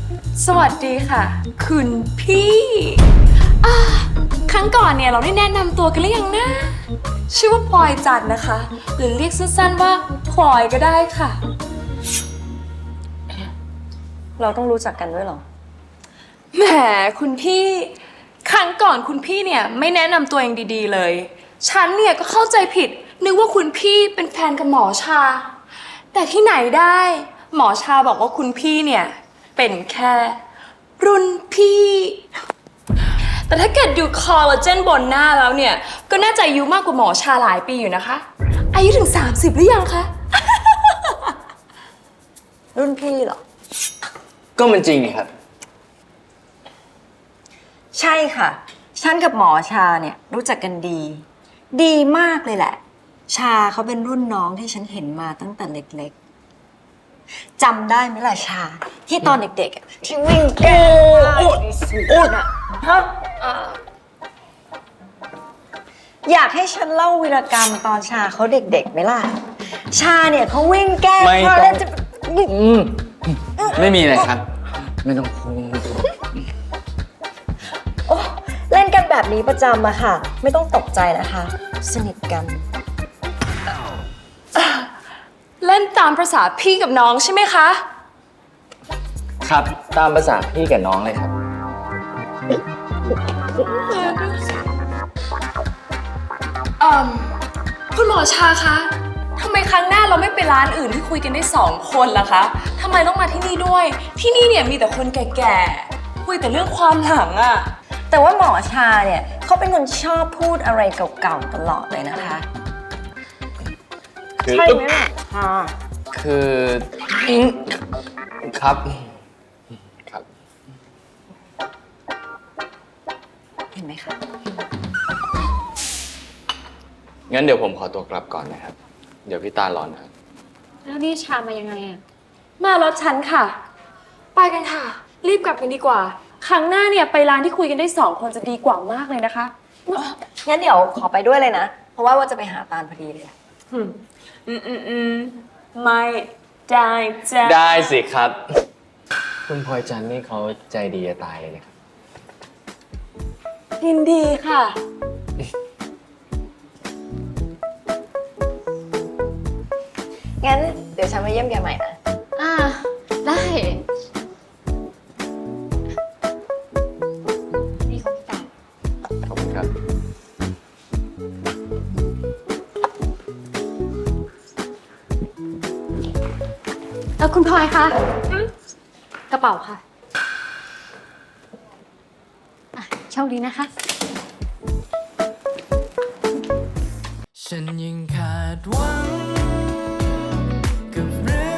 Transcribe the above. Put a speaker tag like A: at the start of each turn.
A: สวัสดีค่ะ คุณพี่ครั้งก่อนเนี่ยเราได้แนะนำตัวกันหรือยังนะชื่อว่าพลอยจันทร์นะคะ หรือเรียกสั้นๆว่าพลอยก็ได้ค่ะ
B: เราต้องรู้จักกันด้วยเหรอ
A: แหมคุณพี่ครั้งก่อนคุณพี่เนี่ยไม่แนะนำตัวเองดีๆเลย ฉันเนี่ยก็เข้าใจผิดนึกว่าคุณพี่เป็นแฟนกับหมอชา แต่ที่ไหนได้หมอชาบอกว่าคุณพี่เนี่ยเป็นแค่รุ่นพี่ แต่ถ้าเกิดดูคอลลาเจนบนหน้าแล้วเนี่ยก็น่าจะอายุมากกว่าหมอชาหลายปีอยู่นะคะ อายุถึง30หรือยังคะ
B: รุ่นพี่เหรอ
C: ก็มันจริงครับ
B: ใช่ค่ะ ฉันกับหมอชาเนี่ยรู้จักกันดี ดีมากเลยแหละ ชาเขาเป็นรุ่นน้องที่ฉันเห็นมาตั้งแต่เล็กๆจำได้ไหมล่ะชา ที่ตอนเด็กๆอะที่วิ่งแก้ผ้าน่ะฮะอยากให้ฉันเล่าวีรกรรมตอนชาเขาเด็กๆไหมล่ะ ชาเนี่ยเขาวิ่งแก้
C: ไม่
B: ผ้า
C: ต้อง
B: แล้วจะ
C: ไม่มีเลยครับ ไม่ต้องพูด
B: โอ้เล่นกันแบบนี้ประจำอะค่ะ ไม่ต้องตกใจนะคะ สนิทกัน
A: เล่นตามประษาพี่กับน้องใช่ไหมคะ
C: ครับ ตามภาษาพี่กับน้องเลยครับ
A: คุณหมอชาคะทำไมครั้งหน้าเราไม่ไปร้านอื่นที่คุยกันได้2 คนล่ะคะทำไมต้องมาที่นี่ด้วย ที่นี่เนี่ยมีแต่คนแก่ๆ คุยแต่เรื่องความหลังอะ
B: แต่ว่าหมอชาเนี่ยเขาเป็นคนชอบพูดอะไรเก่าๆตลอดเลยนะคะ
C: คือ
B: ใช่ไหมล่ะชา
C: คือครับ ครับ
B: เห็นไหมคะ
C: งั้นเดี๋ยวผมขอตัวกลับก่อนนะครับ เดี๋ยวพี่ตาร้อนนะครับ
D: แล้วนี่ชามายังไงอะ
A: มารถฉันค่ะ ไปกันค่ะ รีบกลับกันดีกว่า ครั้งหน้าเนี่ยไปร้านที่คุยกันได้2 คนจะดีกว่ามากเลยนะคะ
B: งั้นเดี๋ยวขอไปด้วยเลยนะ เพราะว่าจะไปหาตาลพอดีเลย
A: ไม่ได้จ้ะ
C: ได้สิครับ คุณพลอยจันทร์นี่เขาใจดีจะตายเลยนะครับ
A: ยินดีค่ะ
B: งั้นเดี๋ยวฉันมาเยี่ยมแกใหม่นะ
D: อ่า ได้ นี่ของพี่ตา
C: ขอบคุณครับ
D: คุณพลอยคะกระเป๋าค่ะอ่ะโชคดีนะคะ
E: ฉันยังขาดหวังกับเรื่